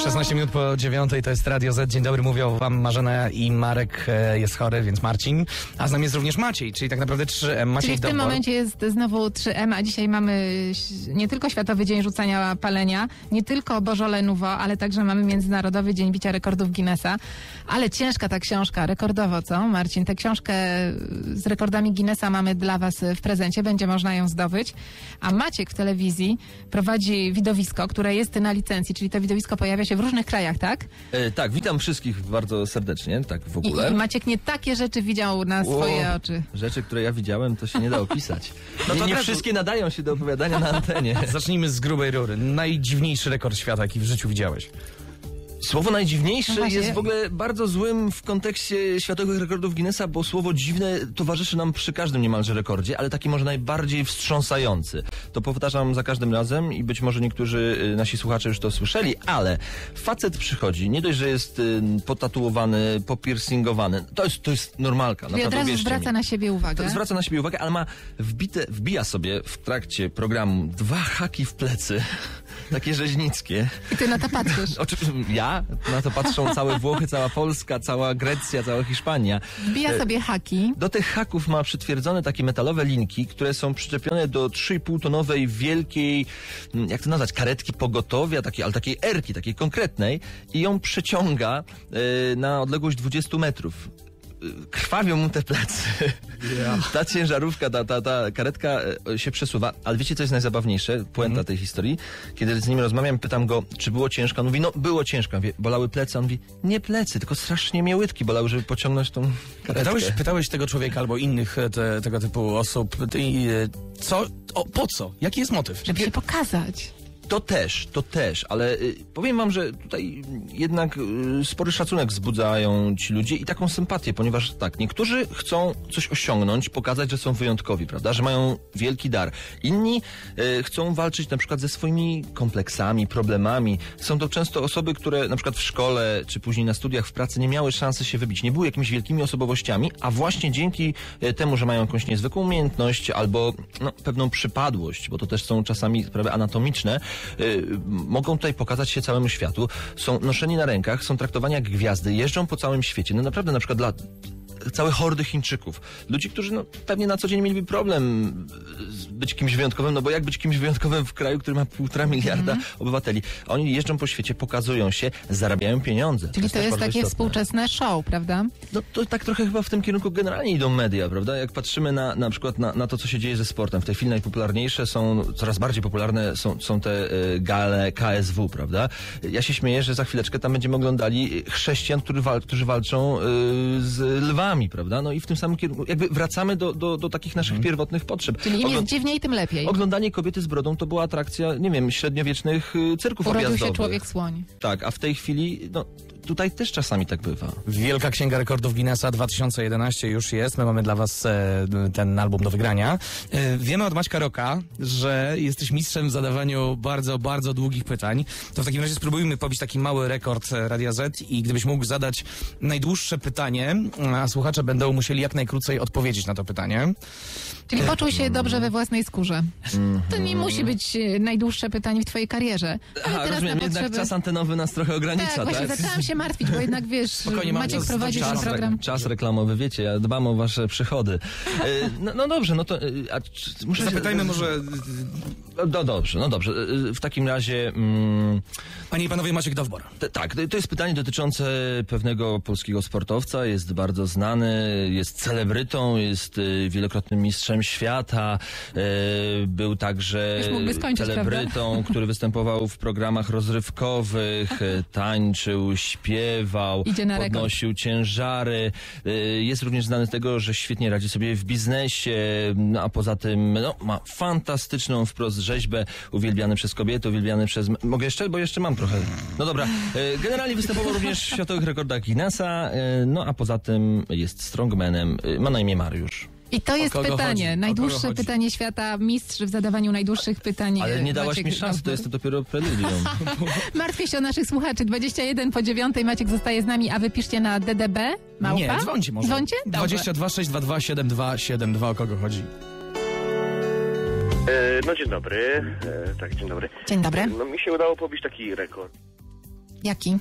16 minut po 9 to jest Radio Z. Dzień dobry, mówią wam Marzena i Marek jest chory, więc Marcin. A z nami jest również Maciej, czyli tak naprawdę 3M. Maciej Czyli w tym momencie jest znowu 3M, a dzisiaj mamy nie tylko Światowy Dzień Rzucania Palenia, nie tylko Bożole Nouveau, ale także mamy Międzynarodowy Dzień Bicia Rekordów Guinnessa. Ale ciężka ta książka, rekordowo, co Marcin? Tę książkę z rekordami Guinnessa mamy dla was w prezencie, będzie można ją zdobyć. A Maciek w telewizji prowadzi widowisko, które jest na licencji, czyli to widowisko pojawia się w różnych krajach, tak? Tak, witam wszystkich bardzo serdecznie, tak w ogóle. I Maciek nie takie rzeczy widział na swoje oczy. Rzeczy, które ja widziałem, to się nie da opisać. No to nie wszystkie nadają się do opowiadania na antenie. Zacznijmy z grubej rury. Najdziwniejszy rekord świata, jaki w życiu widziałeś. Słowo najdziwniejsze No jest w ogóle bardzo złym w kontekście światowych rekordów Guinnessa, bo słowo dziwne towarzyszy nam przy każdym niemalże rekordzie, ale taki może najbardziej wstrząsający. To powtarzam za każdym razem i być może niektórzy nasi słuchacze już to słyszeli, ale facet przychodzi, nie dość, że jest potatuowany, popiercingowany, to jest normalka. Czyli od razu zwraca na siebie uwagę. Zwraca na siebie uwagę, ale ma wbija sobie w trakcie programu 2 haki w plecy, takie rzeźnickie. I ty na to patrzysz. Ja? Na to patrzą całe Włochy, cała Polska, cała Grecja, cała Hiszpania. Wbija sobie haki. Do tych haków ma przytwierdzone takie metalowe linki, które są przyczepione do 3,5-tonowej wielkiej, jak to nazwać, karetki pogotowia, ale takiej erki, takiej konkretnej i ją przeciąga na odległość 20 metrów. Krwawią mu te plecy. Yeah. Ta ciężarówka, ta karetka się przesuwa. Ale wiecie, co jest najzabawniejsze? Puenta tej historii. Kiedy z nim rozmawiam, pytam go, czy było ciężko. On mówi, no było ciężko. Mówię, bolały plecy. On mówi, nie plecy, tylko strasznie mnie łydki bolały, żeby pociągnąć tą karetkę. Pytałeś tego człowieka albo innych tego typu osób, po co? Jaki jest motyw? Żeby się pokazać. To też, ale powiem wam, że tutaj jednak spory szacunek wzbudzają ci ludzie i taką sympatię, ponieważ tak, niektórzy chcą coś osiągnąć, pokazać, że są wyjątkowi, prawda, że mają wielki dar. Inni chcą walczyć na przykład ze swoimi kompleksami, problemami. Są to często osoby, które na przykład w szkole, czy później na studiach, w pracy nie miały szansy się wybić, nie były jakimiś wielkimi osobowościami, a właśnie dzięki temu, że mają jakąś niezwykłą umiejętność albo pewną przypadłość, bo to też są czasami sprawy anatomiczne, mogą tutaj pokazać się całemu światu, są noszeni na rękach, są traktowani jak gwiazdy, jeżdżą po całym świecie. No naprawdę, na przykład dla całe hordy Chińczyków. Ludzi, którzy pewnie na co dzień mieliby problem być kimś wyjątkowym, no bo jak być kimś wyjątkowym w kraju, który ma 1,5 miliarda obywateli. A oni jeżdżą po świecie, pokazują się, zarabiają pieniądze. Czyli to jest takie istotne. Współczesne show, prawda? No to tak trochę chyba w tym kierunku generalnie idą media, prawda? Jak patrzymy na przykład na to, co się dzieje ze sportem. W tej chwili najpopularniejsze coraz bardziej popularne są te gale KSW, prawda? Ja się śmieję, że za chwileczkę tam będziemy oglądali chrześcijan, którzy walczą z lwami, prawda? No i w tym samym kierunku jakby wracamy do takich naszych pierwotnych potrzeb. Czyli im jest dziwniej, tym lepiej. Oglądanie kobiety z brodą to była atrakcja, nie wiem, średniowiecznych cyrków objazdowych. Urodził się człowiek-słoń. Tak, a w tej chwili, tutaj też czasami tak bywa. Wielka Księga Rekordów Guinnessa 2011 już jest. My mamy dla was ten album do wygrania. Wiemy od Maćka Rocka, że jesteś mistrzem w zadawaniu bardzo, bardzo długich pytań. To w takim razie spróbujmy pobić taki mały rekord Radia Z i gdybyś mógł zadać najdłuższe pytanie, a słuchacze będą musieli jak najkrócej odpowiedzieć na to pytanie. Czyli poczuł się dobrze we własnej skórze. To nie musi być najdłuższe pytanie w twojej karierze. Ale teraz rozumiem, jednak czas antenowy nas trochę ogranicza, tak? Właśnie zaczęłam się martwić, bo jednak wiesz, Maciek prowadzi ten program. Czas reklamowy, wiecie, ja dbam o wasze przychody. No dobrze, no to... Zapytajmy może... No dobrze. W takim razie... Panie i panowie, Maciek Dowbor. Tak, to jest pytanie dotyczące pewnego polskiego sportowca, jest bardzo znany, jest celebrytą, jest wielokrotnym mistrzem świata, był także celebrytą, który występował w programach rozrywkowych, tańczył, śpiewał, podnosił ciężary. Jest również znany z tego, że świetnie radzi sobie w biznesie, a poza tym ma fantastyczną wprost rzeźbę, uwielbiany przez kobiety, uwielbiany przez... Mogę jeszcze? Bo jeszcze mam trochę. No dobra. Generalnie występował również w światowych rekordach Guinnessa, a poza tym jest strongmanem. Ma na imię Mariusz. I to jest pytanie. Najdłuższe pytanie świata, mistrz w zadawaniu najdłuższych pytań. Ale nie dałaś mi szansy, to jest dopiero preludium. Martwię się o naszych słuchaczy. 21:09, Maciek zostaje z nami, a wy piszcie na DDB, małpa? Nie, dzwońcie może. Dzwońcie? 22 622 7272, o kogo chodzi? No dzień dobry. Tak, dzień dobry. Dzień dobry. No mi się udało pobić taki rekord. Jaki?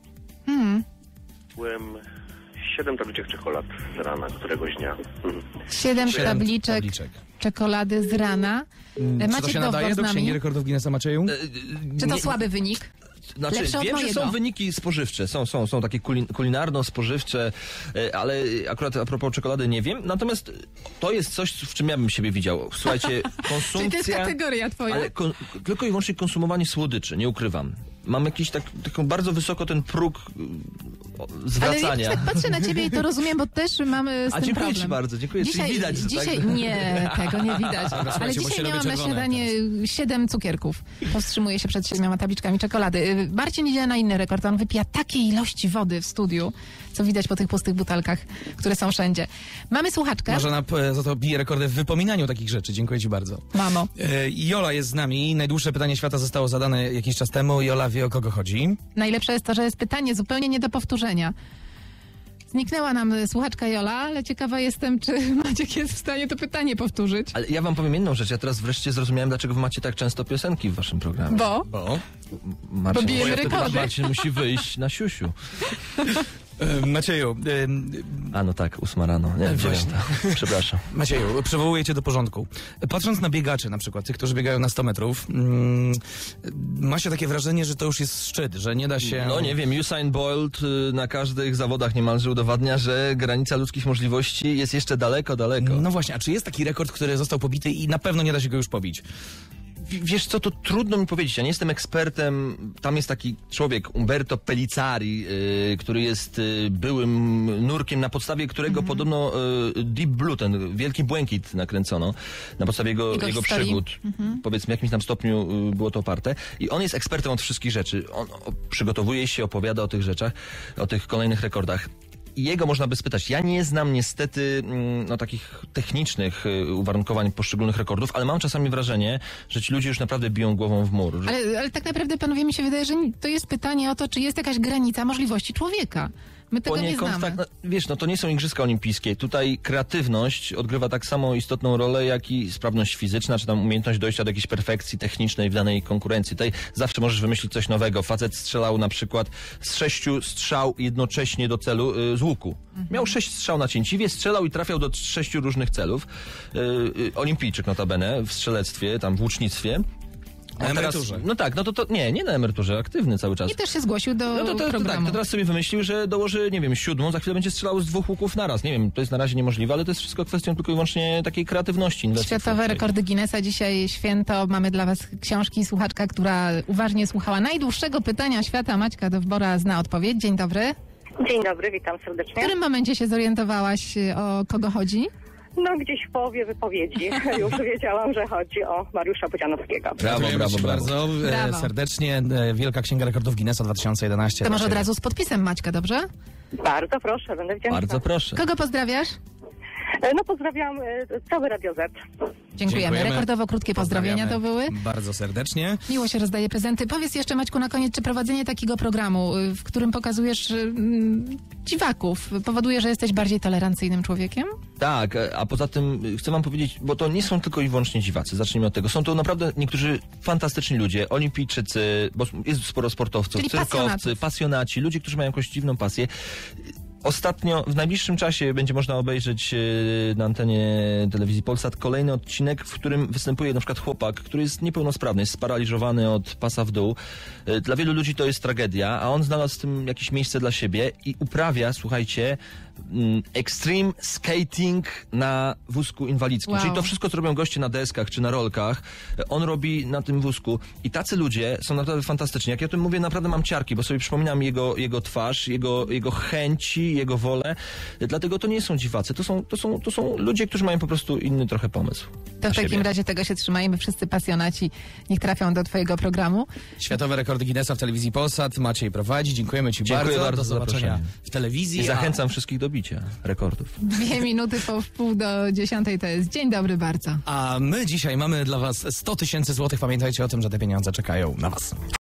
Byłem 7 tabliczek czekolad z rana któregoś dnia. 7 tabliczek czekolady z rana. Czy to Macie się dowód nadaje z do nami? Księgi Rekordów Guinnessa, Macieju? Czy to Nie- słaby wynik? Znaczy, Lepsze od wiem, że mojego. są wyniki spożywcze, są takie kulinarno-spożywcze, ale akurat a propos czekolady nie wiem. Natomiast to jest coś, w czym ja bym siebie widział. Słuchajcie, Czyli konsumpcja... to jest kategoria twoja? Ale tylko i wyłącznie konsumowanie słodyczy, nie ukrywam. Mam jakiś taką bardzo wysoko ten próg zwracania. Ale ja tak patrzę na ciebie i to rozumiem, bo też mamy z tym dziękuję problem. ci bardzo, dziękuję. Czyli widać, że dzisiaj tak? Nie, tego nie widać. Ale słuchajcie, bo się dzisiaj robi miałam na czerwone śniadanie 7 cukierków. Powstrzymuję się przed 7 tabliczkami czekolady. Marcin idzie na inny rekord. On wypija takiej ilości wody w studiu, co widać po tych pustych butelkach, które są wszędzie. Mamy słuchaczkę. Marzena za to bije rekordy w wypominaniu takich rzeczy. Dziękuję ci bardzo. Mamo. Jola jest z nami. Najdłuższe pytanie świata zostało zadane jakiś czas temu. Jola wie, o kogo chodzi. Najlepsze jest to, że jest pytanie zupełnie nie do powtórzenia. Zniknęła nam słuchaczka Jola, ale ciekawa jestem, czy Maciek jest w stanie to pytanie powtórzyć. Ale ja wam powiem jedną rzecz. Ja teraz wreszcie zrozumiałem, dlaczego wy macie tak często piosenki w waszym programie. Bo Marcin, bijemy bo ja wtedy rekordy. Marcin musi wyjść na siusiu. Macieju, A no tak, 8 rano. Nie, Właśnie. 9. Przepraszam. Macieju, przywołuję cię do porządku. Patrząc na biegaczy na przykład, tych, którzy biegają na 100 metrów, ma się takie wrażenie, że to już jest szczyt, że nie da się... No nie wiem, Usain Bolt na każdych zawodach niemalże udowadnia, że granica ludzkich możliwości jest jeszcze daleko, daleko. No właśnie, a czy jest taki rekord, który został pobity i na pewno nie da się go już pobić? Wiesz co, to trudno mi powiedzieć. Ja nie jestem ekspertem. Tam jest taki człowiek, Umberto Pellizzari, który jest byłym nurkiem, na podstawie którego podobno Deep Blue, ten Wielki Błękit nakręcono, na podstawie jego historii. przygód. Powiedzmy, w jakimś tam stopniu było to oparte. I on jest ekspertem od wszystkich rzeczy. On przygotowuje się, opowiada o tych rzeczach, o tych kolejnych rekordach. I jego można by spytać. Ja nie znam niestety takich technicznych uwarunkowań poszczególnych rekordów, ale mam czasami wrażenie, że ci ludzie już naprawdę biją głową w mur. Że... Ale tak naprawdę, panowie, mi się wydaje, że to jest pytanie o to, czy jest jakaś granica możliwości człowieka. My tego nie znamy. Tak, to nie są Igrzyska Olimpijskie. Tutaj kreatywność odgrywa tak samo istotną rolę, jak i sprawność fizyczna, czy tam umiejętność dojścia do jakiejś perfekcji technicznej w danej konkurencji. Tutaj zawsze możesz wymyślić coś nowego. Facet strzelał na przykład z 6 strzał jednocześnie do celu z łuku. Miał 6 strzał na cięciwie, strzelał i trafiał do 6 różnych celów. Olimpijczyk notabene w strzelectwie, tam w łucznictwie. Na emeryturze. No tak, nie na emeryturze, aktywny cały czas. I też się zgłosił do programu. Tak, to teraz sobie wymyślił, że dołoży, nie wiem, 7, za chwilę będzie strzelał z 2 łuków naraz. Nie wiem, to jest na razie niemożliwe, ale to jest wszystko kwestią tylko i wyłącznie takiej kreatywności. Światowe rekordy Guinnessa, dzisiaj święto. Mamy dla was książki. Słuchaczka, która uważnie słuchała najdłuższego pytania świata, Maćka Dowbora, zna odpowiedź. Dzień dobry. Dzień dobry, witam W serdecznie. którym momencie się zorientowałaś, o kogo chodzi? No gdzieś w połowie wypowiedzi już wiedziałam, że chodzi o Mariusza Budzianowskiego. Gratulujemy ci bardzo Brawo. serdecznie. Wielka Księga Rekordów Guinnessa 2011. To może od razu z podpisem Maćka, dobrze? Bardzo proszę, będę wdzięczna. Bardzo proszę. Kogo pozdrawiasz? No pozdrawiam cały Radio Z. Dziękujemy. Rekordowo krótkie pozdrowienia to były. Bardzo serdecznie. Miło się rozdaje prezenty. Powiedz jeszcze, Maćku, na koniec, czy prowadzenie takiego programu, w którym pokazujesz dziwaków, powoduje, że jesteś bardziej tolerancyjnym człowiekiem? Tak, a poza tym chcę wam powiedzieć, bo to nie są tylko i wyłącznie dziwacy, zacznijmy od tego. Są to naprawdę niektórzy fantastyczni ludzie, olimpijczycy, bo jest sporo sportowców, Czyli cyrkowcy, pasjonaci, ludzie, którzy mają jakąś dziwną pasję. Ostatnio, w najbliższym czasie będzie można obejrzeć na antenie telewizji Polsat kolejny odcinek, w którym występuje na przykład chłopak, który jest niepełnosprawny, jest sparaliżowany od pasa w dół. Dla wielu ludzi to jest tragedia, a on znalazł w tym jakieś miejsce dla siebie i uprawia, słuchajcie, extreme skating na wózku inwalidzkim. Wow. Czyli to wszystko, co robią goście na deskach czy na rolkach, on robi na tym wózku. I tacy ludzie są naprawdę fantastyczni. Jak ja o tym mówię, naprawdę mam ciarki, bo sobie przypominam jego twarz, jego chęci, jego wolę. Dlatego to nie są dziwacy. To są ludzie, którzy mają po prostu inny trochę pomysł. To na w takim siebie. razie tego się trzymajmy. Wszyscy pasjonaci niech trafią do twojego programu. Światowe Rekordy Guinnessa w telewizji Polsat. Maciej prowadzi. Dziękujemy ci Dziękuję bardzo Do za zobaczenia zaproszenie. w telewizji. I zachęcam wszystkich do bicia rekordów. 2 minuty po 9:30 to jest. Dzień dobry bardzo. A my dzisiaj mamy dla was 100 000 złotych. Pamiętajcie o tym, że te pieniądze czekają na was.